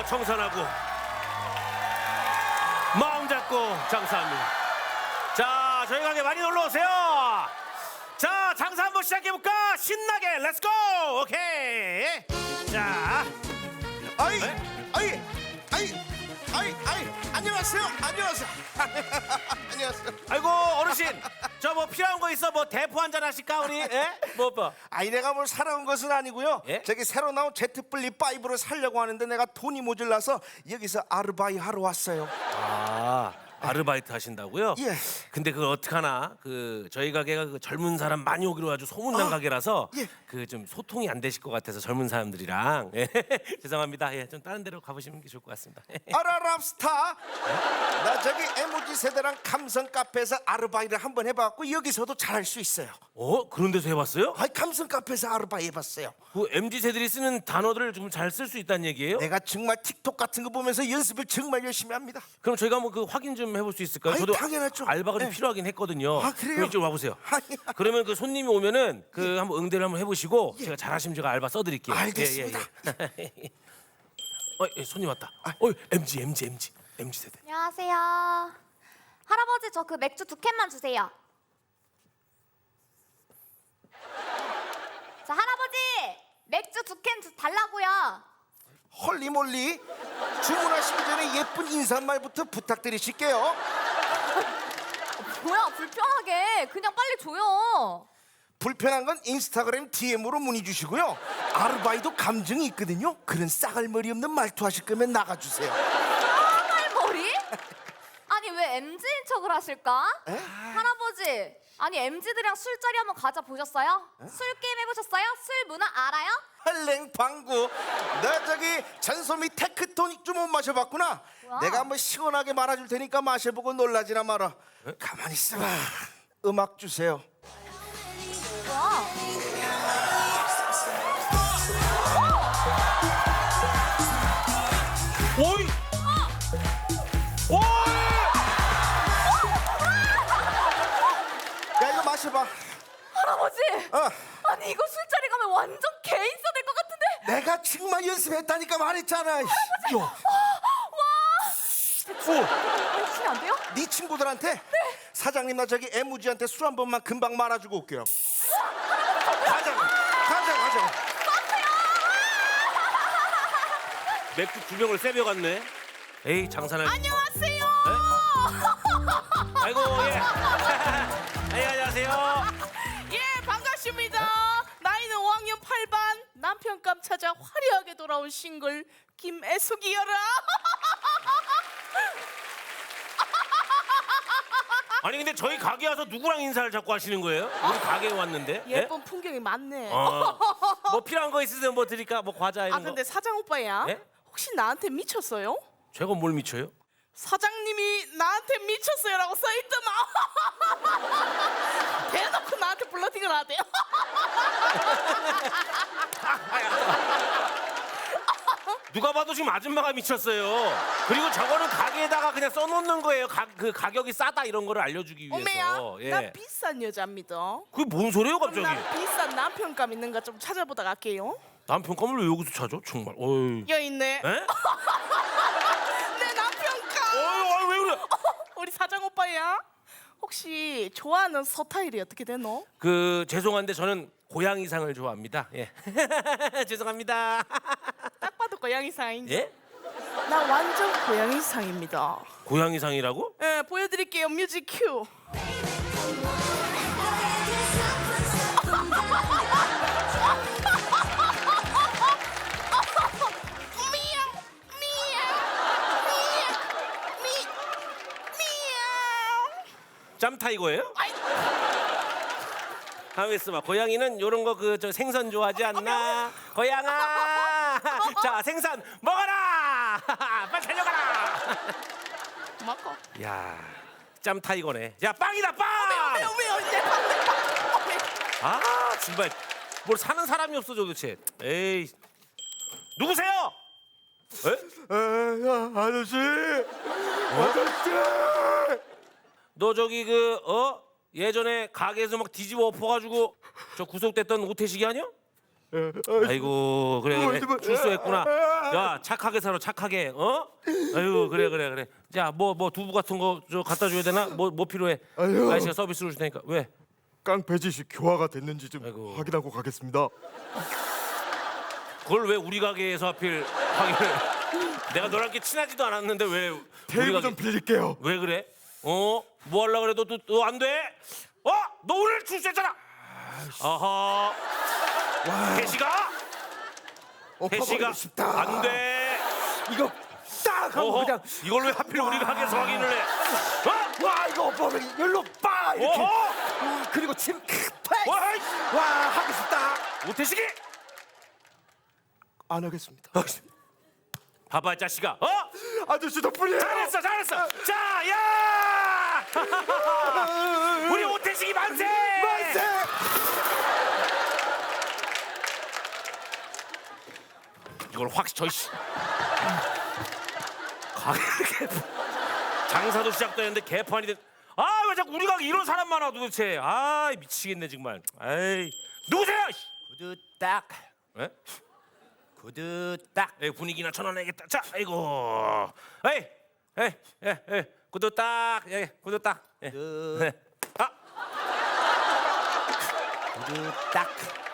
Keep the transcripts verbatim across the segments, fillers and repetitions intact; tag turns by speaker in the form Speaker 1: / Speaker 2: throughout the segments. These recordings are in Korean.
Speaker 1: 청산하고 마음 잡고 장사합니다. 자, 저희 가게 많이 놀러 오세요. 자, 장사 한번 시작해 볼까? 신나게 렛츠고. 오케이. 자,
Speaker 2: 아이,
Speaker 1: 네?
Speaker 2: 아이, 아이, 아이, 아이, 안녕하세요, 안녕하세요, 안녕하세요.
Speaker 1: 아이고 어르신, 저 뭐 필요한 거 있어? 뭐 대포 한잔 하실까 우리? 예? 뭐 뭐?
Speaker 2: 아이, 내가 뭘 사러 온 것은 아니고요.
Speaker 1: 예?
Speaker 2: 저기 새로 나온 제트 플립 파이브를 사려고 하는데 내가 돈이 모자라서 여기서 아르바이 하러 왔어요.
Speaker 1: 아, 아르바이트 하신다고요?
Speaker 2: 예.
Speaker 1: 근데 그걸 어떡하나? 그 저희 가게가 그 젊은 사람 많이 오기로 아주 소문난
Speaker 2: 아,
Speaker 1: 가게라서
Speaker 2: 예.
Speaker 1: 그 좀 소통이 안 되실 것 같아서 젊은 사람들이랑 예. 죄송합니다. 예, 좀 다른 데로 가보시는 게 좋을 것 같습니다.
Speaker 2: 아라랍스타. 나 저기 엠오지 세대랑 감성 카페에서 아르바이를 한번 해봤고 여기서도 잘할 수 있어요.
Speaker 1: 어? 그런 데서 해봤어요?
Speaker 2: 아이, 감성 카페에서 아르바이 해봤어요.
Speaker 1: 그 엠지 세들이 쓰는 단어들을 좀 잘 쓸 수 있다는 얘기예요?
Speaker 2: 내가 정말 틱톡 같은 거 보면서 연습을 정말 열심히 합니다.
Speaker 1: 그럼 저희가 한번 그 확인 좀 해볼 수 있을까요?
Speaker 2: 아이,
Speaker 1: 저도
Speaker 2: 당연하죠.
Speaker 1: 알바가 좀
Speaker 2: 네.
Speaker 1: 필요하긴 했거든요.
Speaker 2: 아, 그래요?
Speaker 1: 그럼 이쪽으로 와보세요.
Speaker 2: 아니야.
Speaker 1: 그러면 그 손님이 오면은 그 한번 응대를 한번 해보시고 제가 잘하시면 제가 알바 써드릴게요.
Speaker 2: 알겠습니다.
Speaker 1: 예, 예, 예. 어, 예, 손님 왔다. 어, 엠지, 엠지, 엠지, 엠지 세대.
Speaker 3: 안녕하세요. 할아버지 저 그 맥주 두 캔만 주세요. 자 할아버지 맥주 두 캔 달라고요.
Speaker 2: 헐리몰리. 주문하시기 전에 예쁜 인사말부터 부탁드리실게요.
Speaker 3: 뭐야 불편하게 그냥 빨리 줘요.
Speaker 2: 불편한 건 인스타그램 디엠으로 문의 주시고요. 아르바이도 감정이 있거든요. 그런 싸갈머리 없는 말투 하실 거면 나가주세요.
Speaker 3: 까말머리? 아니 왜 엠지인 척을 하실까?
Speaker 2: 에?
Speaker 3: 할아버지 아니 엠지들이랑 술자리 한번 가자 보셨어요? 술 게임 해보셨어요? 술 문화 알아요?
Speaker 2: 헐랭 방구. 너 저기 전소미 테크토닉 좀 못 마셔봤구나.
Speaker 3: 뭐야?
Speaker 2: 내가 한번 시원하게 말아줄 테니까 마셔보고 놀라지나 마라. 가만히 있어봐. 음악 주세요.
Speaker 3: 뭐야?
Speaker 1: 오이! 오이!
Speaker 2: 야, 이거 마셔봐.
Speaker 3: 할아버지
Speaker 2: 어.
Speaker 3: 아니 이거 술자리 가면 완전 개인사 될 것 같은데.
Speaker 2: 내가 정말 연습했다니까 말했잖아. 요.
Speaker 3: 치면 안 돼요?
Speaker 2: 네 친구들한테 사장님 나 저기 애무지한테 술 한 번만 금방 말아주고 올게요. 가자, 가자, 가자.
Speaker 1: 맥주 두 병을 세벼 갔네. 에이, 장사는.
Speaker 3: 안녕하세요.
Speaker 1: 아이고, 예. 예, 안녕하세요.
Speaker 4: 예, 반갑습니다. 나이는 오 학년 팔 반, 남편감 찾아 화려하게 돌아온 싱글 김애숙이여라.
Speaker 1: 아니 근데 저희 가게 와서 누구랑 인사를 자꾸 하시는 거예요? 우리 가게에 왔는데. 예?
Speaker 4: 예쁜 풍경이 많네.
Speaker 1: 어. 뭐 필요한 거 있으세요? 뭐 드릴까? 뭐 과자 이런
Speaker 4: 아 근데
Speaker 1: 거.
Speaker 4: 사장 오빠야,
Speaker 1: 예?
Speaker 4: 혹시 나한테 미쳤어요?
Speaker 1: 제가 뭘 미쳐요?
Speaker 4: 사장님이 나한테 미쳤어요라고 써있더만. 대놓고 나한테 블러팅을 하대요.
Speaker 1: 누가 봐도 지금 아줌마가 미쳤어요. 그리고 저거는 가게에다가 그냥 써놓는 거예요. 가, 그 가격이 싸다 이런 거를 알려주기 위해서.
Speaker 4: 오메야,
Speaker 1: 예.
Speaker 4: 나 비싼 여자입니다.
Speaker 1: 그게 뭔 소리예요
Speaker 4: 그럼
Speaker 1: 갑자기?
Speaker 4: 나 비싼 남편감 있는가 좀 찾아보다 갈게요.
Speaker 1: 남편감을 왜 여기서 찾아? 정말. 어이.
Speaker 4: 여 있네.
Speaker 1: 에?
Speaker 4: 내 남편감.
Speaker 1: 어이, 어이 왜 그래?
Speaker 4: 우리 사장 오빠야, 혹시 좋아하는 스타일이 어떻게 되노?
Speaker 1: 그 죄송한데 저는 고양이상을 좋아합니다. 예. 죄송합니다.
Speaker 4: 딱 봐도 고양이상인데.
Speaker 1: 예?
Speaker 4: 나 완전 고양이상입니다.
Speaker 1: 고양이상이라고?
Speaker 4: 예, 보여드릴게요. 뮤직 큐. 미야우, 미야우, 미야우, 미, 미야우.
Speaker 1: 짬타이거예요?
Speaker 4: 아이,
Speaker 1: 가만 있어봐. 고양이는 요런 거 그 저 생선 좋아하지 않나? 고양아, 자 생선 먹어라. 빨리 달려가라.
Speaker 4: 먹어.
Speaker 1: 야, 짬타이거네. 야, 빵이다 빵.
Speaker 4: 왜요, 왜요, 이제 방금 방.
Speaker 1: 아, 정말 뭘 사는 사람이 없어 도대체. 에이, 누구세요? 에?
Speaker 2: 아저씨, 아저씨.
Speaker 1: 너 저기 그 어? 예전에 가게에서 막 뒤집어 엎어가지고 저 구속됐던 오태식이 아니야? 아이고 그래 그래 출소했구나. 야 착하게 살아 착하게 어? 아유 그래 그래 그래. 자 뭐 뭐 두부 같은 거 저 갖다 줘야 되나? 뭐 뭐 필요해?
Speaker 5: 아유.
Speaker 1: 아저씨가 서비스로 줄 테니까 왜?
Speaker 5: 깡패짓이 교화가 됐는지 좀
Speaker 1: 아이고.
Speaker 5: 확인하고 가겠습니다.
Speaker 1: 그걸 왜 우리 가게에서 하필 확인을? 내가 너랑 이렇게 친하지도 않았는데 왜 우리
Speaker 5: 테이블
Speaker 1: 가게?
Speaker 5: 좀 빌릴게요.
Speaker 1: 왜 그래? 어? 뭐 하려 그래도 또 안 돼? 어? 너 오늘 출세했잖아. 아하. 대시가? 대시가
Speaker 2: 싶다.
Speaker 1: 안 돼.
Speaker 2: 이거 딱 하고
Speaker 1: 어허.
Speaker 2: 그냥
Speaker 1: 이걸 왜 하필 우리 가게에서 확인을 해? 어?
Speaker 2: 와 이거 오빠 왜 열로 빠 이렇게.
Speaker 1: 어허.
Speaker 2: 와, 그리고 침 팍.
Speaker 1: 와이.
Speaker 2: 와 하고 싶다.
Speaker 1: 오태식이?
Speaker 2: 안 하겠습니다.
Speaker 1: 봐봐 이 자식아. 어?
Speaker 5: 아저씨 덕분이에요.
Speaker 1: 잘했어 잘했어. 자 야. 우리 오태식이 만세.
Speaker 2: 만세!
Speaker 1: 이걸 확 저씨 가게 장사도 시작됐는데 개판이 된. 아 왜 자꾸 우리 가게 이런 사람 많아 도대체. 아 미치겠네 정말. 아이 누구세요?
Speaker 2: 구두 딱.
Speaker 1: 에?
Speaker 2: 구두 딱.
Speaker 1: 에 분위기나 전환해야겠다. 자 아이고. 에이 에이 에이 에이 구두 딱. 예 구두 딱. 예.
Speaker 2: 구두,
Speaker 1: 네. 아
Speaker 2: 구두 딱.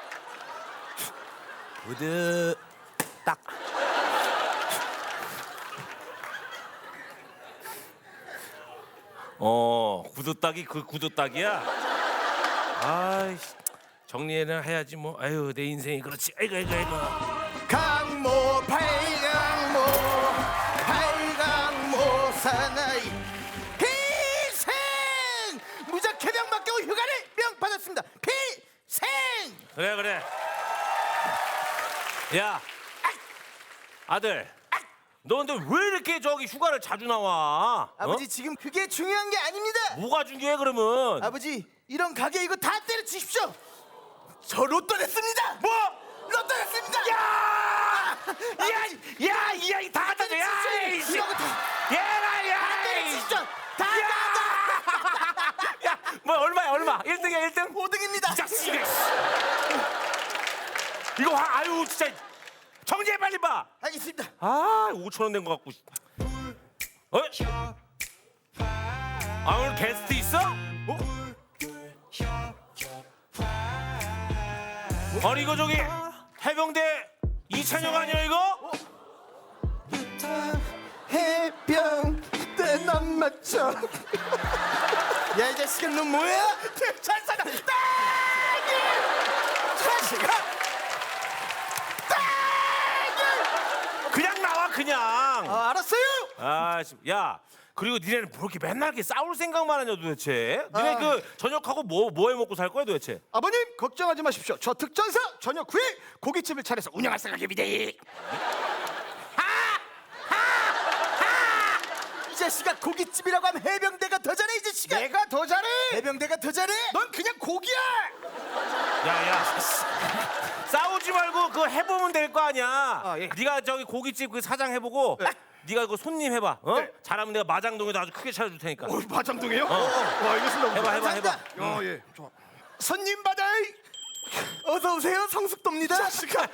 Speaker 2: 구두 딱.
Speaker 1: 어 구두 딱이 그 구두 딱이야. 아이씨 정리는 해야지 뭐. 아유 내 인생이 그렇지. 아이고 아이고 아이고.
Speaker 2: 강모 팔강모 팔강모 사나이 필생 무작 해병 맡기고 휴가를 명 받았습니다. 필생.
Speaker 1: 그래 그래. 야 아들 너 근데 왜 이렇게 저기 휴가를 자주 나와?
Speaker 2: 아버지
Speaker 1: 어?
Speaker 2: 지금 그게 중요한 게 아닙니다.
Speaker 1: 뭐가 중요해 그러면?
Speaker 2: 아버지 이런 가게 이거 다 때려주십시오. 저 로또 냈습니다.
Speaker 1: 뭐?
Speaker 2: 로또 냈습니다.
Speaker 1: 야!
Speaker 2: 아버지,
Speaker 1: 야! 야! 이 아이 다 갖다 줘! 야! 이씨!
Speaker 2: 이런 거다
Speaker 1: 얘라! 야!
Speaker 2: 때려주십시오. 다
Speaker 1: 야! 뭐 얼마야 얼마? 일 등이야 일 등?
Speaker 2: 오 등입니다.
Speaker 1: 이 자식이! 이거 하, 아유 진짜 정지해 빨리 봐!
Speaker 2: 알겠습니다.
Speaker 1: 아 오천 원 낸 거 같고. 어? 아 오늘 게스트 있어? 어? 아니 이거 저기 해병대 이찬영 아니야 이거?
Speaker 2: 해병 때난 맞춰. 야 이 자식아 너 뭐야? 잘 살아. 딸기 자식아. 딸기.
Speaker 1: 그냥 나와 그냥.
Speaker 2: 아, 알았어요.
Speaker 1: 아, 씨, 야, 그리고 니네는 뭐 이렇게 맨날 이렇게 싸울 생각만 하냐 도대체? 니네
Speaker 2: 아.
Speaker 1: 그 저녁하고 뭐 뭐 해 먹고 살 거야 도대체?
Speaker 5: 아버님 걱정하지 마십시오. 저 특전사 저녁 후에 고깃집을 차려서 운영할 생각입니다.
Speaker 2: 이 자식아 고깃집이라고 하면 해병대가 더 잘해 이 자식아.
Speaker 5: 내가 더 잘해.
Speaker 2: 해병대가 더 잘해.
Speaker 5: 넌 그냥 고기야.
Speaker 1: 야야, 싸우지 말고 그거 해보면 될 거 아니야.
Speaker 5: 아, 예.
Speaker 1: 네가 저기 고깃집 그 사장 해보고, 네가 그 손님 해봐. 어?
Speaker 5: 네.
Speaker 1: 잘하면 내가 마장동에도 아주 크게 차려줄 테니까.
Speaker 5: 어, 마장동이요? 와 알겠습니다.
Speaker 1: 해봐 해봐 해봐.
Speaker 2: 감사합니다.
Speaker 5: 어, 예. 좋아. 손님 받아이.
Speaker 2: 어서 오세요 성숙도입니다.
Speaker 5: 자식아.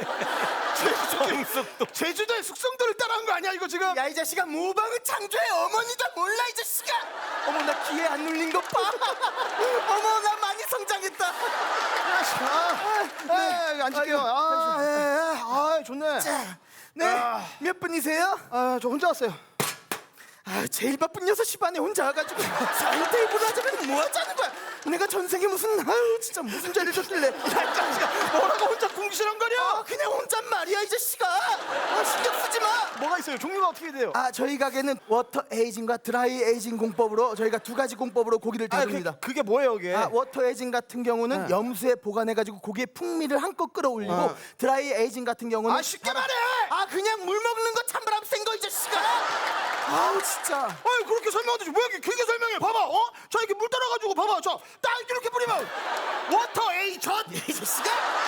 Speaker 5: 제주도. 제주도의 숙성도를 따라한 거 아니야 이거 지금?
Speaker 2: 야 이 자식아 모방은 창조의 어머니다 몰라 이 자식아. 어머 나 귀에 안 눌린 것 봐. 어머 나 많이 성장했다.
Speaker 5: 아, 네, 앉을게요. 아, 예, 예. 아, 좋네.
Speaker 2: 자, 네.
Speaker 5: 아.
Speaker 2: 몇 분이세요?
Speaker 5: 아, 저 혼자 왔어요.
Speaker 2: 아, 제일 바쁜 여섯 시 반에 혼자 와가지고 사인 테이블 하자면 뭐 하자는 거야? 내가 전생에 무슨 아유 진짜 무슨 죄를 졌길래?
Speaker 5: 야, 자식아, 뭐라고 혼자 궁시렁거려?
Speaker 2: 아, 그냥 혼잣 말이야 이 자식아. 아, 신경 쓰지 마.
Speaker 5: 뭐가 있어요? 종류가 어떻게 돼요?
Speaker 2: 아, 저희 가게는 워터 에이징과 드라이 에이징 공법으로 저희가 두 가지 공법으로 고기를
Speaker 5: 아,
Speaker 2: 다룹니다.
Speaker 5: 그, 그게 뭐예요, 이게?
Speaker 2: 아, 워터 에이징 같은 경우는
Speaker 5: 네.
Speaker 2: 염수에 보관해가지고 고기의 풍미를 한껏 끌어올리고
Speaker 5: 아.
Speaker 2: 드라이 에이징 같은 경우는
Speaker 5: 아, 쉽게 말해!
Speaker 2: 아, 그냥 물 먹는 거 찬바람 센 거 이 자식아. 아우 진짜.
Speaker 5: 아니 그렇게 설명하듯이 왜 이렇게 길게 설명해? 봐봐, 어? 자 이렇게 물 따라가지고 봐봐, 자 딱 이렇게 뿌리면 워터 에이전
Speaker 2: 이 자식아.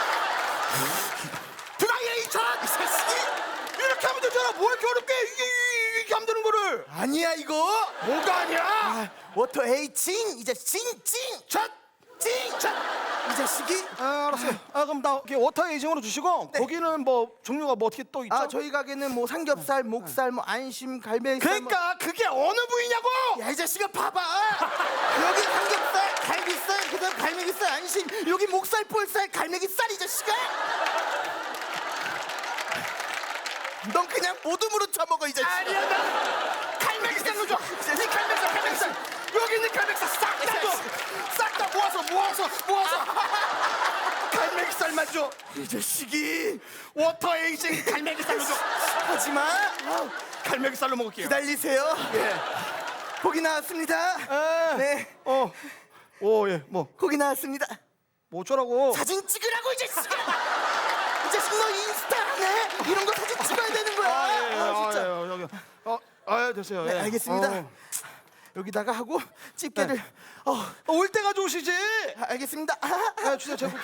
Speaker 5: 드라이 에이전
Speaker 2: 이 자식이.
Speaker 5: 이렇게 하면 되잖아. 뭐 이렇게 어렵게 이게 이게- 이렇게 하면 되는 거를?
Speaker 2: 아니야 이거.
Speaker 5: 뭐가 아니야?
Speaker 2: 아, 워터 에이징 이제 징징
Speaker 5: 자,
Speaker 2: 징. 자, 이 이 자식이.
Speaker 5: 아, 알았어요. 아, 그럼 나 이렇게 워터 에이징으로 주시고
Speaker 2: 네.
Speaker 5: 고기는 뭐 종류가 뭐 어떻게 또 있죠?
Speaker 2: 아 저희 가게는 뭐 삼겹살, 목살, 뭐 안심, 갈매기살. 뭐...
Speaker 5: 그러니까 그게 어느 부위냐고!
Speaker 2: 야 이 자식아 봐봐. 여기 삼겹살, 갈비살, 그다음 갈매기살, 안심. 여기 목살, 볼살, 갈매기살 이 자식아. 넌 그냥 모둠으로 쳐먹어 이 자식아.
Speaker 5: 아니야, 나 갈매기살로 줘. 이 갈매기살, 갈매기살. 여기 있는 갈매기살 싹 다 줘. 싹 다 모아서 모아서 모아서. 갈매기살만 줘.
Speaker 2: 이 자식이.
Speaker 5: 워터 에이징 갈매기살로 줘.
Speaker 2: 하지마.
Speaker 5: 갈매기살로 먹을게요.
Speaker 2: 기다리세요. 예. 고기 나왔습니다.
Speaker 5: 에.
Speaker 2: 네.
Speaker 5: 어. 오, 예. 뭐.
Speaker 2: 고기 나왔습니다.
Speaker 5: 뭐 어쩌라고?
Speaker 2: 사진 찍으라고 이 자식아. 이 자식 너 인스타 안 해? 이런 거 사진 찍어야 되는 거야.
Speaker 5: 아, 예,
Speaker 2: 아, 진짜.
Speaker 5: 아, 예, 여기. 어, 아, 됐어요.
Speaker 2: 네,
Speaker 5: 예.
Speaker 2: 알겠습니다.
Speaker 5: 어.
Speaker 2: 여기다가 하고 집게를. 어,
Speaker 5: 어, 올 때가 좋으시지?
Speaker 2: 아, 알겠습니다. 아,
Speaker 5: 아, 주세요. 제가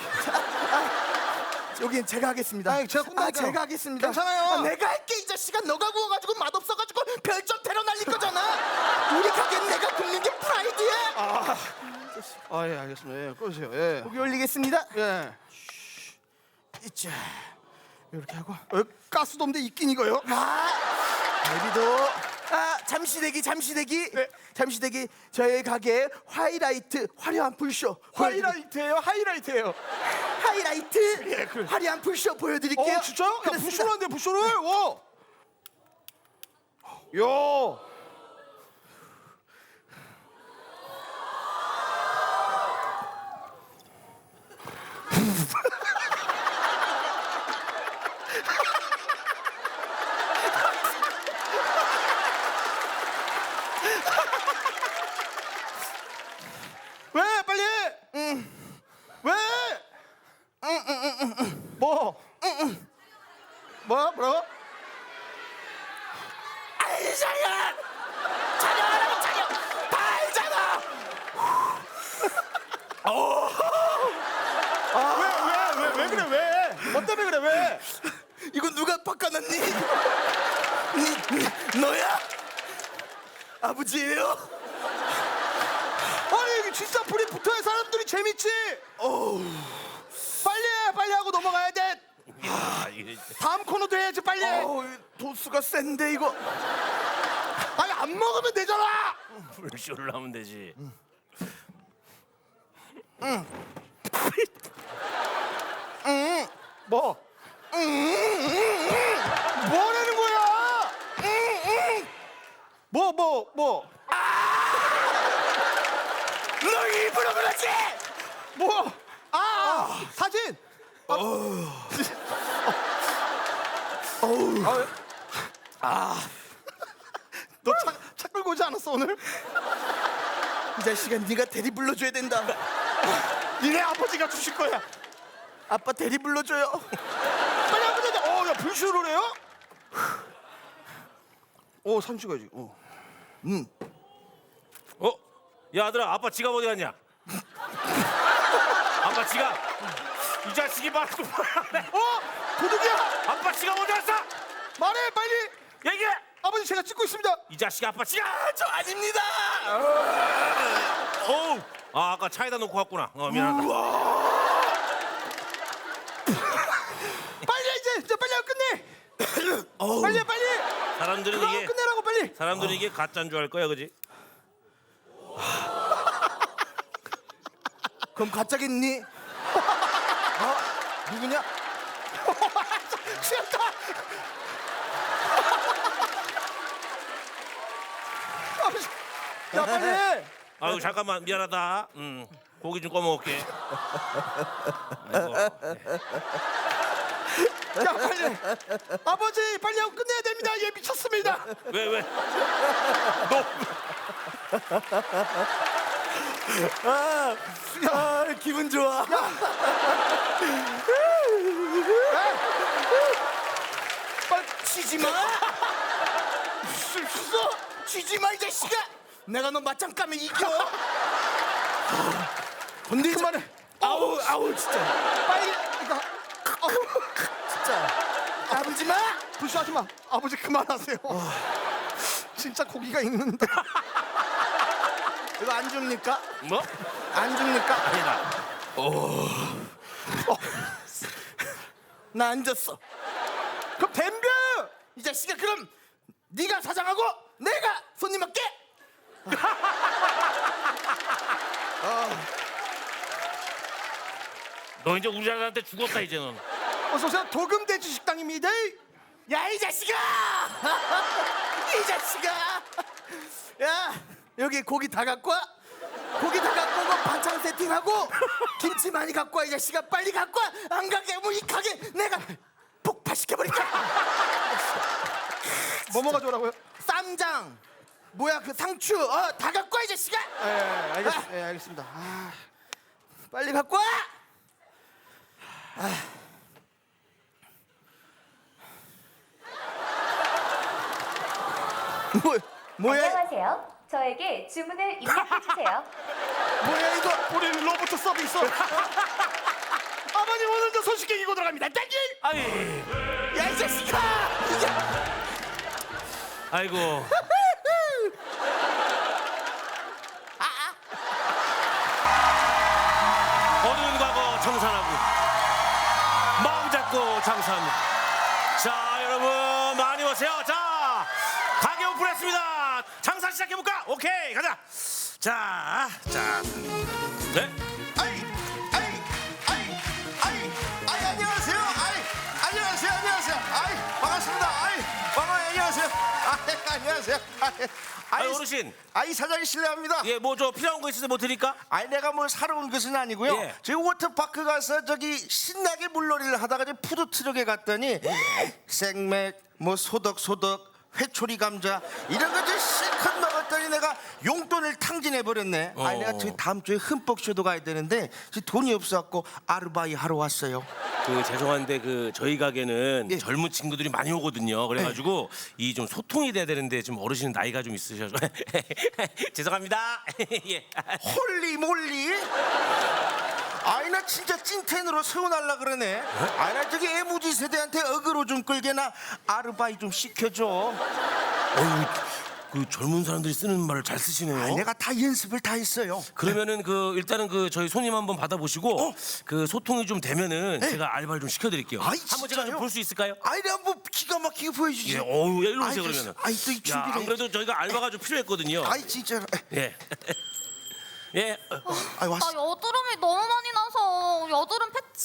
Speaker 2: 여기 제가 하겠습니다.
Speaker 5: 아니, 제가 끝나니까요.
Speaker 2: 아, 제가 하겠습니다.
Speaker 5: 괜찮아요.
Speaker 2: 아, 내가 할게 이 자식아. 너가 구워가지고 맛없어가지고 별점 테러 날릴 거잖아. 우리 가게는 내가 굽는 게 프라이드야.
Speaker 5: 아, 아, 예, 알겠습니다. 예, 꺼주세요. 예.
Speaker 2: 고기 올리겠습니다.
Speaker 5: 예.
Speaker 2: 이자 이렇게 하고.
Speaker 5: 어, 가스도 없는데 있긴 이거요?
Speaker 2: 아, 여기도. 아, 잠시 대기, 잠시 대기.
Speaker 5: 네.
Speaker 2: 잠시 대기. 저희 가게 하이라이트 화려한 불쇼.
Speaker 5: 하이라이트예요? 하이라이트예요.
Speaker 2: 하이라이트
Speaker 5: 예, 그래.
Speaker 2: 화려한 불쇼 보여드릴게요.
Speaker 5: 어, 진짜요? 야,
Speaker 2: 그렇습니다.
Speaker 5: 부쇼를 한대, 부쇼를. 와. 야. 왜 빨리? 응. 왜? 응응응응. 뭐? 응응. 뭐? 뭐라고?
Speaker 2: 알잖아. 촬영하라고 촬영. 다 알잖아.
Speaker 5: 왜 왜 왜 왜 그래 왜? 뭐 때문에 그래 왜?
Speaker 2: 이거 누가 바꿔놨니? 니, 너야? 아버지예요?
Speaker 5: 아니 이게 진짜 불이 붙어야 사람들이 재밌지. 어우. 빨리 해 빨리 하고 넘어가야 돼.
Speaker 1: 야, 이게
Speaker 5: 다음 코너도 해야지 빨리. 해.
Speaker 2: 어우, 도수가 센데 이거.
Speaker 5: 아니 안 먹으면 되잖아.
Speaker 1: 불쇼를 하면 되지.
Speaker 5: 뭐? 뭐라는 거야? 뭐 뭐 뭐?
Speaker 2: 너 일부러 그러지?
Speaker 5: 뭐? 아, 사진.
Speaker 2: 어우.
Speaker 5: 너 차 차 끌고 오지 않았어 오늘?
Speaker 2: 이 자식아, 네가 대리 불러줘야 된다.
Speaker 5: 니네 아버지가 주실 거야.
Speaker 2: 아빠 대리 불러줘요.
Speaker 5: 빨리 아버지한테. 어, 야 불쇼를 해요? 오, 사진 찍어야지. 어.
Speaker 1: 어? 야 아들아, 아빠 지갑 어디 갔냐? 아빠 지갑. 이 자식이 말도 말하네.
Speaker 5: 어? 도둑이야.
Speaker 1: 아빠 지갑 어디 갔어?
Speaker 5: 말해 빨리.
Speaker 1: 얘기해.
Speaker 5: 아버지 제가 찍고 있습니다.
Speaker 1: 이 자식 아빠 지갑.
Speaker 2: 저 아닙니다.
Speaker 1: 어우. 아 아까 차에다 놓고 왔구나. 어 미안하다.
Speaker 5: 빨리 해, 이제 이제 빨리 하고 끝내.
Speaker 2: 어우.
Speaker 5: 빨리 해, 빨리.
Speaker 1: 사람들은
Speaker 5: 그거 하고
Speaker 1: 이게
Speaker 5: 끝내라고 빨리.
Speaker 1: 사람들은 이게 가짜인 줄 알 거야, 그지?
Speaker 2: 그럼 가짜겠니? 어? 누구냐?
Speaker 5: 취했다. 아버지. 야 빨리 해.
Speaker 1: 아유 잠깐만 미안하다. 음 고기 좀 꺼먹을게. 아이고.
Speaker 5: 야 빨리 해. 아버지 빨리 하고 끝내야 됩니다. 얘 미쳤습니다.
Speaker 1: 왜 왜?
Speaker 2: 아, 아, 기분 좋아.
Speaker 5: 빨리
Speaker 2: 치지 마.
Speaker 5: 씻어.
Speaker 2: 치지 마, 이 자식아. 내가 너 맞짱 까면 이겨. 건들지
Speaker 5: 그만해.
Speaker 2: 아우, 아우, 진짜.
Speaker 5: 빨리 이거. 어휴.
Speaker 2: 진짜. 까불지 마.
Speaker 5: 불쇼하지 마. 아버지 그만하세요. 진짜 고기가 있는데.
Speaker 2: 이거 안 줍니까?
Speaker 1: 뭐?
Speaker 2: 안 줍니까?
Speaker 1: 아니다.
Speaker 5: 나 앉았어. 그럼 뱀벼 이 자식아. 그럼 네가 사장하고 내가 손님 할게.
Speaker 1: 너 이제 우리 아들한테 죽었다 이제는.
Speaker 5: 어서 오세요. 도금돼지 식당입니다. 야 이 자식아. 이 자식아. 야 여기 고기 다 갖고 와. 고기 다 갖고 오고 반찬 세팅하고 김치 많이 갖고 와. 이 자식아 빨리 갖고 와. 안 가게 뭐 이 가게 내가 폭파시켜버릴까. 뭐 먹어줘라고요? 쌈장 뭐야 그 상추 어 다 갖고 와 이 자식아. 예 알겠, 아. 예, 알겠습니다. 아, 빨리 갖고 와. 아. 뭐 뭐야
Speaker 6: 안녕하세요. 저에게 주문을 입력해 주세요.
Speaker 5: 뭐야 이거. 우리 로봇 서비스. 아버님 오늘도 손쉽게 이고 들어갑니다. 땡길.
Speaker 1: 아니,
Speaker 5: 야 이 자식아.
Speaker 1: 아이고. 어두운 과거 청산하고 마음 잡고 장사합니다. 자, 여러분 많이 오세요. 자, 가게 오픈했습니다. 장사 시작해볼까? 오케이, 가자. 자, 자, 네?
Speaker 5: 아이 아이 아이 아이 아이 안녕하세요. 아이 안녕하세요. 안녕하세요. 아이 반갑습니다. 아이 반가워요. 안녕하세요. 아이 안녕하세요. 아이
Speaker 1: 아이, 어르신.
Speaker 5: 아이 사장님 실례합니다.
Speaker 1: 예, 뭐 저 필요한 거 있으세요? 뭐 드릴까?
Speaker 5: 아니 내가 뭘 사러 온 것은 아니고요.
Speaker 1: 예.
Speaker 5: 저희 워터파크 가서 저기 신나게 물놀이를 하다가 저 푸드트럭에 갔더니 생맥 뭐 소덕소덕 회초리 감자 이런 거저 실컷 먹었더니 내가 용돈을 탕진해 버렸네. 아니 내가 저희 다음 주에 흠뻑 쇼도 가야 되는데 지금 돈이 없어갖고 아르바이 하러 왔어요.
Speaker 1: 그 죄송한데 그 저희 가게는
Speaker 5: 예.
Speaker 1: 젊은 친구들이 많이 오거든요. 그래가지고 이 좀 소통이 돼야 되는데 좀 어르신은 나이가 좀 있으셔서 죄송합니다. 예.
Speaker 5: 홀리 몰리. 아이 나 진짜 찐텐으로 세워날라 그러네. 아이 나 저기 애무지 세대한테 어그로 좀 끌게나 아르바이 좀 시켜줘.
Speaker 1: 어휴, 그 젊은 사람들이 쓰는 말을 잘 쓰시네요.
Speaker 5: 아이, 내가 다 연습을 다 했어요.
Speaker 1: 그러면은 그 일단은 그 저희 손님 한번 받아보시고
Speaker 5: 어?
Speaker 1: 그 소통이 좀 되면은 제가 알바를 좀 시켜드릴게요.
Speaker 5: 아이,
Speaker 1: 한번 제가 좀
Speaker 5: 진짜요?
Speaker 1: 볼 수 있을까요?
Speaker 5: 아이 내가 뭐 기가 막히게 보여주지.
Speaker 1: 예, 어우, 예, 일로 오세요
Speaker 5: 아이,
Speaker 1: 그러면은.
Speaker 5: 아이 또이
Speaker 1: 야,
Speaker 5: 준비를.
Speaker 1: 안 그래도 저희가 알바가 좀 필요했거든요.
Speaker 5: 아이 진짜.
Speaker 1: 예. 예.
Speaker 5: 아이
Speaker 3: 나
Speaker 5: 왔어.
Speaker 3: 여드름이 너무 많이 나서 여드름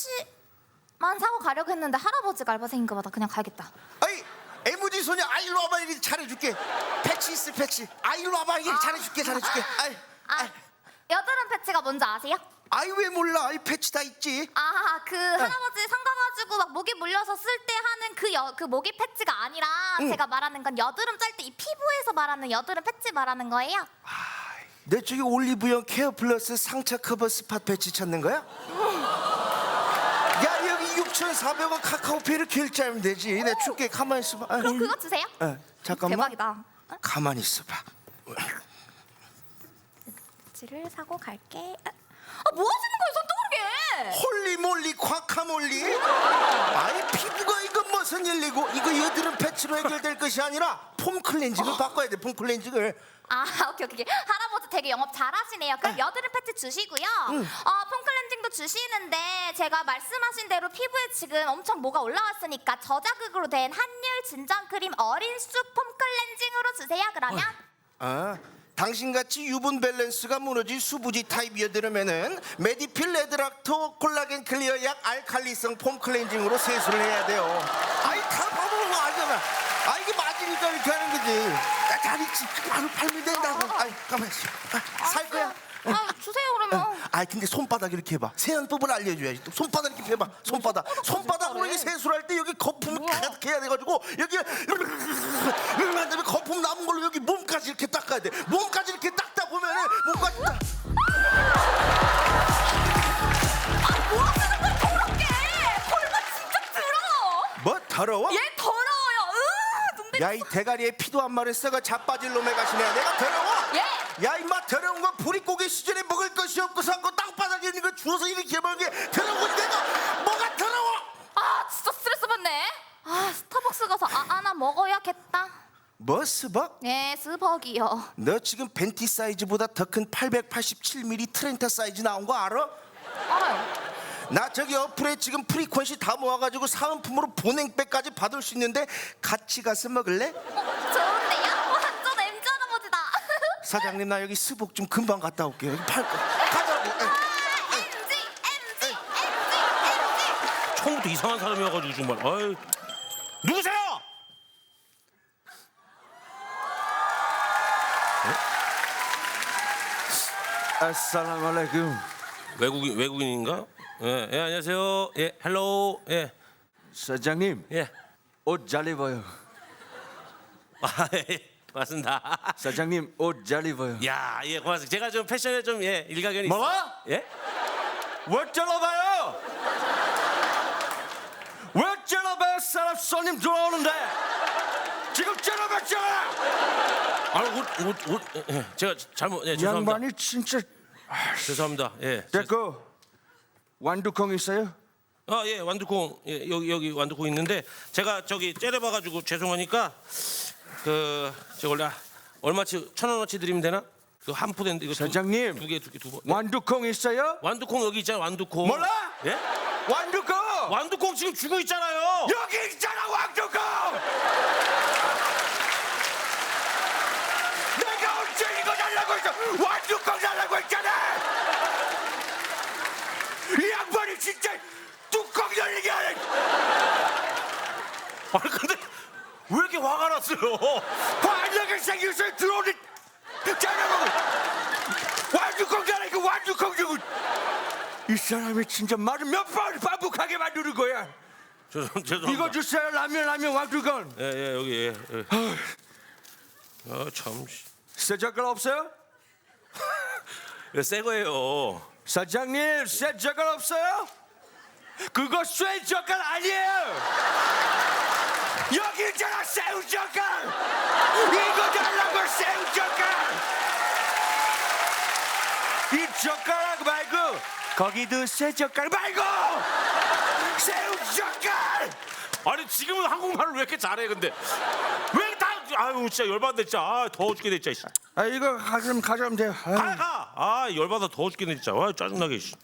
Speaker 3: 패치만 사고 가려고 했는데 할아버지가 알바생인가 보다. 그냥 가야겠다.
Speaker 5: 아이 애무지 소녀 아이 일로 와봐. 이렇게 잘해줄게. 패치 있어 패치. 아이 일로 와봐. 이게 잘해줄게 잘해줄게. 아이
Speaker 3: 아, 여드름 패치가 뭔지 아세요?
Speaker 5: 아이 왜 몰라. 아이 패치 다 있지.
Speaker 3: 아, 그 할아버지 상가가지고 막 모기 물려서 쓸 때 하는 그, 여, 그 모기 패치가 아니라 제가 말하는 건 여드름 짤 때 이 피부에서 말하는 여드름 패치 말하는 거예요.
Speaker 5: 내 저기 올리브영 케어 플러스 상처 커버 스팟 패치 찾는 거야? 야 여기 육천사백 원 카카오페이를 결제하면 되지. 내 줄게. 가만히 있어봐. 아,
Speaker 3: 그럼 그거 주세요.
Speaker 5: 어, 잠깐만.
Speaker 3: 대박이다.
Speaker 5: 가만히 있어봐.
Speaker 3: 패치를 사고 갈게. 아, 뭐 하시는 거예요? 손 떠오르게.
Speaker 5: 홀리몰리 콱카몰리. 아이 피부가 이거 무슨 일이고. 이거 여드름 패치로 해결될 것이 아니라 폼 클렌징을 바꿔야 돼. 폼 클렌징을.
Speaker 3: 아, 오케이, 오케이. 할아버지 되게 영업 잘하시네요. 그럼 여드름 패치 주시고요. 어, 폼 클렌징도 주시는데 제가 말씀하신 대로 피부에 지금 엄청 뭐가 올라왔으니까 저자극으로 된 한율 진정 크림 어린 쑥 폼 클렌징으로 주세요. 그러면
Speaker 5: 아, 당신같이 유분 밸런스가 무너진 수부지 타입이어들으면은 메디필 레드락토 콜라겐 클리어 약 알칼리성 폼 클렌징으로 세수를 해야 돼요. 아이 다 봐보는 거 알잖아. 아 이게 맞으니까 이렇게 하는 거지. 나 잘 있지. 바로 팔면 된다고. 아이 가만 있어. 아, 살 거야.
Speaker 3: 아, 주세요 그러면.
Speaker 5: 아 근데 손바닥 이렇게 해봐. 세안법을 알려줘야지. 또 손바닥 이렇게 해봐. 손바닥. 손바닥으로 이게 세수를 할 때 여기 거품을 가득 해야 돼가지고 여기 이렇게 한 다음에 거품 남은 걸로 여기 몸까지 이렇게 닦아야 돼. 몸까지 이렇게 닦다 보면은 몸까지 딱.
Speaker 3: 아, 뭐 하시는 거야? 더럽게. 골반 진짜 더러워.
Speaker 5: 뭐 더러워?
Speaker 3: 얘 더러워요. 으, 눈
Speaker 5: 야 이 대가리에 피도 한 마리 썩어 자빠질 놈의 가시네. 내가 더러워?
Speaker 3: 예.
Speaker 5: 야 임마 더러운 거 부리고기 시절에 먹을 것이 없고 산거 땅바닥에 있는 거 주워서 이렇게 먹은 게 더러운 건 내가 뭐가 더러워?
Speaker 3: 아, 진짜 스트레스 받네. 아, 스타벅스 가서 아 하나 먹어야겠다.
Speaker 5: 뭐 스벅?
Speaker 3: 네, 스벅이요.
Speaker 5: 너 지금 벤티 사이즈보다 더 큰 팔백팔십칠 밀리미터 트렌타 사이즈 나온 거 알아?
Speaker 3: 알아요.
Speaker 5: 나 저기 어플에 지금 프리퀀시 다 모아가지고 사은품으로 보냉백까지 받을 수 있는데 같이 가서 먹을래?
Speaker 3: 어, 좋은데요? 완전 엠지 할아버지다.
Speaker 5: 사장님 나 여기 스복 좀 금방 갔다 올게요. 여기 팔 거. 가자고. 에.
Speaker 3: 엠지, 엠지, 엠지, 엠지.
Speaker 1: 처음부터 이상한 사람이어가지고 정말. 아유. 누구세요?
Speaker 2: 아살라말레이쿰.
Speaker 1: 외국인 외국인인가? 예, 예 안녕하세요. 예, 헬로우. 예,
Speaker 2: 사장님
Speaker 1: 예.
Speaker 2: 옷 잘 입어요.
Speaker 1: 아, 예. 고맙습니다.
Speaker 2: 사장님 옷 잘 입어요.
Speaker 1: 야, 예, 고맙습니다. 제가 좀 패션에 좀 예, 일가견이 있어.
Speaker 2: 뭐라?
Speaker 1: 예?
Speaker 2: 왜 찔러봐요? 왜 찔러봐요? 사람 손님 들어오는데 지금 찔러봤잖아.
Speaker 1: 아, 옷, 옷, 옷. 예, 제가 잘못. 예, 죄송합니다.
Speaker 2: 양반이 진짜.
Speaker 1: 죄송합니다. 예.
Speaker 2: 됐고 완두콩 있어요?
Speaker 1: 아, 예, 완두콩. 예, 여기 여기 완두콩 있는데 제가 저기 째려봐 가지고 죄송하니까 그 저 원래 얼마치 천 원어치 드리면 되나? 그 한 푸대인데 이거
Speaker 2: 사장님.
Speaker 1: 두 개 두 개 두 번.
Speaker 2: 완두콩 있어요?
Speaker 1: 완두콩 여기 있잖아. 완두콩.
Speaker 2: 몰라?
Speaker 1: 예?
Speaker 2: 완두콩
Speaker 1: 완두콩 지금 주고 있잖아요.
Speaker 2: 여기 있잖아 완두콩. 내가 언제 이거 달라고 했어? 완두콩 달라고 했잖아. 이 양반이 진짜 뚜껑 열리게 하네.
Speaker 1: 아니 근데 왜 이렇게 화가 났어요?
Speaker 2: 환하게 생겨서 들어오는 짜장면 완두콩 달라니까 완두콩 주고. 이 사람이 진짜 말을 몇 번 반복하게 만드는 거야.
Speaker 1: 죄송 죄송합니다.
Speaker 2: 이거 주세요. 라면 라면 완두콩.
Speaker 1: 예, 예, 여기 예. 예. 아, 참.
Speaker 2: 새 젓갈 없어요?
Speaker 1: 이거 새 거예요.
Speaker 2: 사장님 새 젓갈 없어요? 그거 쇠 젓갈 아니에요. 여기 있잖아 새우 젓갈. 이거 달라고 새우 젓갈. 이 젓가락 말고 거기도 새 젓갈 말고 새우 젓갈.
Speaker 1: 아니 지금은 한국말을 왜 이렇게 잘해 근데 왜 다 아유 진짜 열받네 진짜. 아, 더워 죽겠네 진짜.
Speaker 2: 아 이거 가져면 가져면 돼요. 아유.
Speaker 1: 가 가. 아 열받아 더워 죽겠네 진짜. 아 짜증나게. 씨.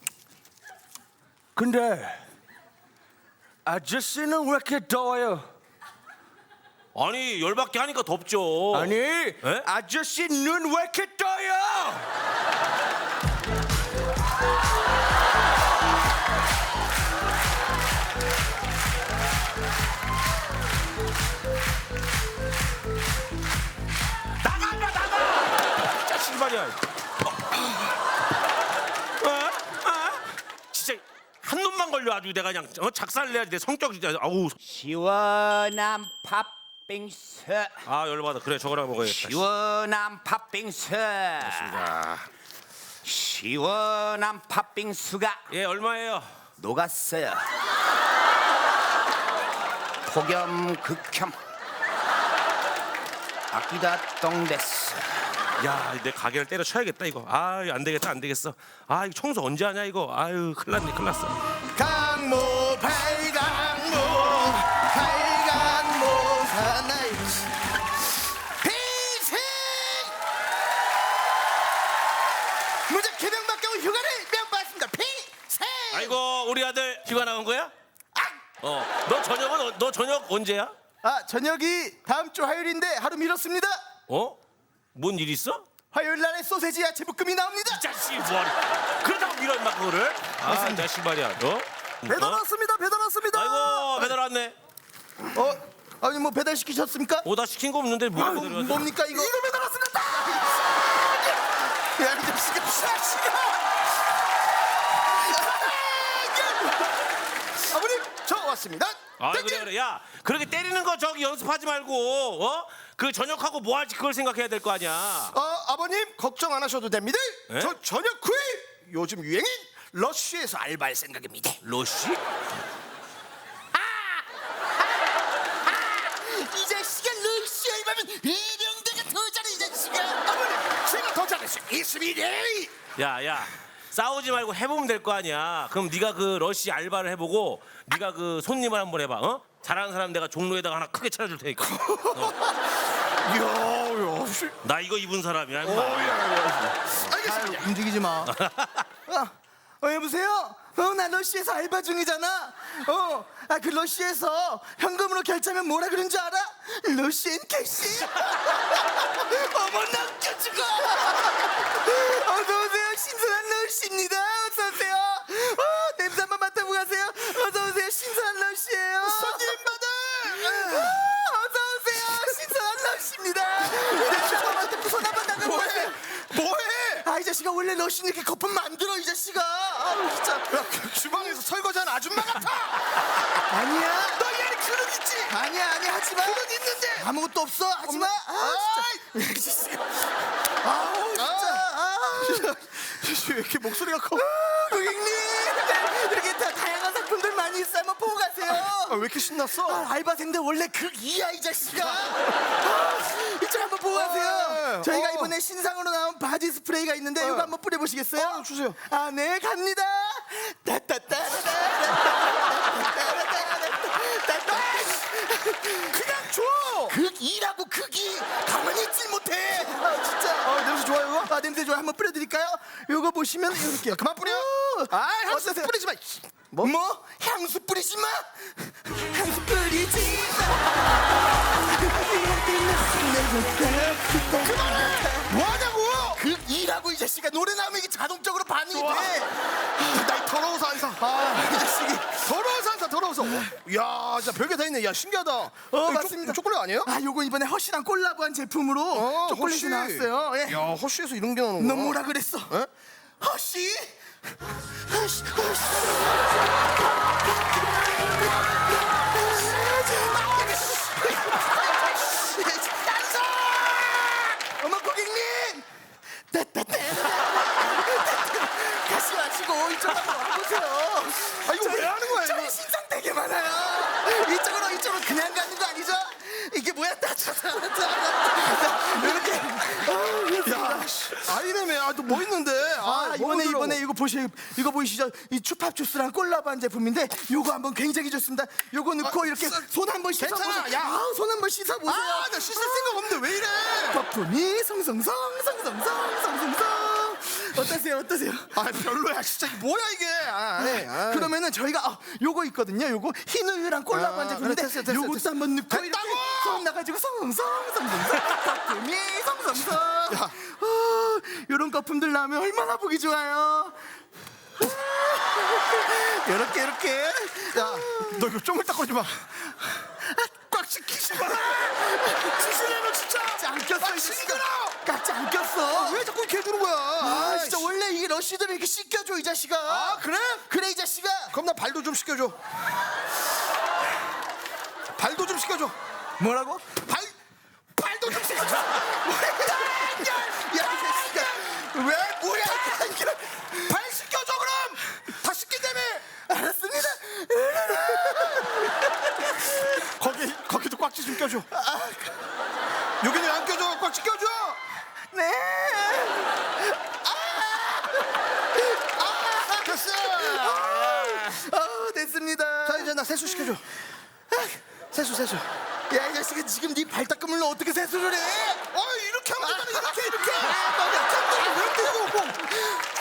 Speaker 2: 근데 아저씨는 왜 이렇게 더워요?
Speaker 1: 아니 열받게 하니까 덥죠.
Speaker 2: 아니 아저씨 눈 왜 이렇게 떠요?
Speaker 1: 나가 나가. 진짜 실발이야. 어? 어? 진짜 한 놈만 걸려 아주 내가 그냥 어, 작살을 내야지 내 성격 진짜 아우.
Speaker 7: 시원한 팥빙수
Speaker 1: 아 열받아. 그래 저거랑 먹어야겠다.
Speaker 7: 시원한 팥빙수
Speaker 1: 야.
Speaker 7: 시원한 팥빙수가
Speaker 1: 예 얼마예요?
Speaker 7: 녹았어요. 폭염 극혐 아끼다 똥됐어.
Speaker 1: 야, 내 가게를 때려쳐야겠다 이거. 아, 안 되겠다, 안 되겠어. 아, 이거 청소 언제 하냐 이거. 아유, 큰일 났네, 큰일 났어.
Speaker 5: 강모 팔강모 팔강모 사나이 비생 무작 개명밖에 온 휴가를 명받습니다. 비생
Speaker 1: 아이고, 우리 아들 휴가 나온 거야? 어, 너 저녁은 어- 너 저녁 언제야?
Speaker 2: 아 저녁이 다음 주 화요일인데 하루 미뤘습니다.
Speaker 1: 어? 뭔 일 있어?
Speaker 2: 화요일 날에 소세지 야채 볶음이 나옵니다.
Speaker 1: 이 자식 뭐하니? 그러다가 밀어 임마 그거를. 아, 이 자식 말이야. 어?
Speaker 2: 배달
Speaker 1: 어?
Speaker 2: 왔습니다. 배달 왔습니다.
Speaker 1: 아이고, 배달 왔네.
Speaker 2: 어 아니 뭐 배달 시키셨습니까?
Speaker 1: 오, 나 시킨 거 없는데 뭐
Speaker 2: 아유,
Speaker 1: 배달을 왔어?
Speaker 2: 뭡니까 이거? 이거 배달 왔습니다. 야, 이 자식아, 자식아. 아버님, 저 왔습니다.
Speaker 1: 아, 그래 그래. 야, 그렇게 때리는 거 저기 연습하지 말고 어? 그 저녁하고 뭐 할지 그걸 생각해야 될 거 아니야.
Speaker 2: 어, 아버님 걱정 안 하셔도 됩니다.
Speaker 1: 에?
Speaker 2: 저 저녁 후에 요즘 유행인 러쉬에서 알바할 생각입니다.
Speaker 1: 러쉬?
Speaker 2: 이 자식아 러쉬 알바면 이령대가 더 잘해 이 자식아. 아버님, 제가 더 잘할 수 있습니다.
Speaker 1: 야, 야, 싸우지 말고 해보면 될 거 아니야. 그럼 네가 그 러쉬 알바를 해보고 네가 그 손님을 한번 해봐. 어? 잘하는 사람 내가 종로에다가 하나 크게 차려줄 테니까. 어.
Speaker 2: 야, 야, 씨.
Speaker 1: 나 이거 입은 사람이야. 임마.
Speaker 2: 알겠습니다. 움직이지 마. 아,
Speaker 8: 어 여보세요? 어 나 러시에서 알바 중이잖아. 어, 아 그 러시에서 현금으로 결제하면 뭐라 그런 줄 알아? 러시엔 캐시. 어머 나 웃겨 죽어. 어서 오세요. 신선한 러시입니다. 어서 오세요. 어 냄새 한번 맡아보고 가세요. 어서 오세요. 신선한 러시예요. 손님 받아. 어, 어서 오세요. 신선한 러시입니다. 냄새 한번 맡아보고 손 한번 나가고 가세요.
Speaker 2: 뭐해?
Speaker 8: 아 이 자식아 원래 러시는 이렇게 거품 만들어 이 자식아. 아 진짜.
Speaker 2: 야, 그 주방에서 설거지하는 아줌마 같아.
Speaker 8: 아니야.
Speaker 2: 너 얘는 그릇 있지?
Speaker 8: 아니야 아니야 하지마.
Speaker 2: 그릇 있는데.
Speaker 8: 아무것도 없어 하지마. 아 진짜. 이 자식아. 아우 진짜. 아.
Speaker 2: 왜 이렇게 목소리가 커?
Speaker 8: 고객님 이렇게 다 다양한 상품들 많이 있어. 한번 보고 가세요.
Speaker 2: 아, 왜 이렇게 신났어?
Speaker 8: 아, 알바생들 원래 극이야 이 자식아. 아, 이쪽 한번 보고 가세요. 저희가
Speaker 2: 어.
Speaker 8: 이번에 신상으로 나온 바디 스프레이가 있는데 이거 한번 뿌려보시겠어요?
Speaker 2: 어, 주세요.
Speaker 8: 아 네 갑니다.
Speaker 2: 그냥 줘.
Speaker 8: 극이라고 극이 가만히 있질 못해. 아 진짜. 아 냄새 좋아요. 아 냄새 좋아. 한번 뿌려드릴까요? 요거 보시면 이렇게 그만 뿌려.
Speaker 2: 아, 향수
Speaker 8: 어떠세요?
Speaker 2: 뿌리지 마.
Speaker 8: 뭐? 뭐? 향수 뿌리지 마. 향수 뿌리지 마. 그만해.
Speaker 2: 뭐하냐고?
Speaker 8: 극이라고 이 자식아. 노래 나오면 이게 자동적으로 반응이
Speaker 2: 좋아.
Speaker 8: 돼.
Speaker 2: 나 더러워서 안 사.
Speaker 8: 아, 이 자식이.
Speaker 2: 더러워서 안 사. 더러워서. 야, 진짜 별게 다 있네. 야, 신기하다.
Speaker 8: 어
Speaker 2: 이거
Speaker 8: 맞습니다.
Speaker 2: 초, 초콜릿 아니에요?
Speaker 8: 아 요거 이번에 허쉬랑 콜라보한 제품으로
Speaker 2: 어,
Speaker 8: 초콜릿이
Speaker 2: 허쉬.
Speaker 8: 나왔어요. 예.
Speaker 2: 야, 허쉬에서 이런 게 나오는
Speaker 8: 너
Speaker 2: 거야.
Speaker 8: 뭐라 그랬어?
Speaker 2: 에?
Speaker 8: 허쉬? 허쉬 허쉬. 어머 고객님! 다시 마시고 이쪽으로 와보세요.
Speaker 2: 아, 이거 왜 하는 거야,
Speaker 8: 저희
Speaker 2: 이거?
Speaker 8: 신상 되게 많아요. 이쪽으로 이쪽으로 그냥 가는 거 아니죠? 이게 뭐야? 따뜻하다. 이렇게.
Speaker 2: 야, 씨. 아이네매. 아, 또 뭐 있는데?
Speaker 8: 아,
Speaker 2: 뭐
Speaker 8: 이번에
Speaker 2: 먹으려고.
Speaker 8: 이번에 이거 보시 이거 보이시죠? 이 추팝 주스랑 콜라보한 제품인데 요거 한번 굉장히 좋습니다. 요거 넣고
Speaker 2: 아,
Speaker 8: 이렇게
Speaker 2: 써-
Speaker 8: 손 한번 씻어
Speaker 2: 괜찮아,
Speaker 8: 보세요.
Speaker 2: 야.
Speaker 8: 아, 손 한번 씻어 보세요.
Speaker 2: 아, 나 씻을 생각 없는데 왜 이래?
Speaker 8: 거품이 성성성 성성성 성성성. 어떠세요? 어떠세요?
Speaker 2: 아, 별로야. 진짜 이게 뭐야 이게? 아, 네. 아.
Speaker 8: 그러면은 저희가 어, 요거 있거든요. 요거 흰 우유랑 콜라보한
Speaker 2: 아,
Speaker 8: 제품인데
Speaker 2: 그래, 됐어, 됐어,
Speaker 8: 요것도
Speaker 2: 됐어.
Speaker 8: 한번 넣고 이렇게
Speaker 2: 됐다고!
Speaker 8: 손 나가지고 성성 성성성 거품이 성성성. 어, 요런 거품들 나오면 얼마나 보기 좋아요. 요렇게 요렇게.
Speaker 2: 야, 너 이거 쪼물딱거리지 마. 꽉 시키지 마. 시시해 너 진짜.
Speaker 8: 깍지 안 꼈어.
Speaker 2: 아,
Speaker 8: 이
Speaker 2: 시끄러.
Speaker 8: 깍지 안 꼈어.
Speaker 2: 왜 자꾸 이렇게 해주는 거야?
Speaker 8: 아 진짜
Speaker 2: 씨.
Speaker 8: 원래 이게 러쉬들은 이렇게 씻겨줘 이 자식아.
Speaker 2: 아, 그래?
Speaker 8: 그래 이 자식아.
Speaker 2: 그럼 나 발도 좀 씻겨줘. 발도 좀 씻겨줘.
Speaker 8: 뭐라고?
Speaker 2: 발 발도 좀 씻겨줘.
Speaker 8: 야, 이 자식아. 왜 뭐야?
Speaker 2: 발 씻겨줘 그럼. 다 씻긴다며.
Speaker 8: 알았습니다.
Speaker 2: 거기 거기도 꽉지 좀 껴줘. 여기는 안 껴줘. 꽉지 껴줘.
Speaker 8: 네.
Speaker 2: 됐어.
Speaker 8: 어, 됐습니다.
Speaker 2: 자 이제 나 세수 시켜줘. 세수 세수.
Speaker 8: 야, 이 자식아 지금 네 발 닦으면 너 어떻게 세수를 해?
Speaker 2: 어 이렇게 하면 되잖아. 이렇게 이렇게.
Speaker 8: 아, 너 약한데 왜 때려?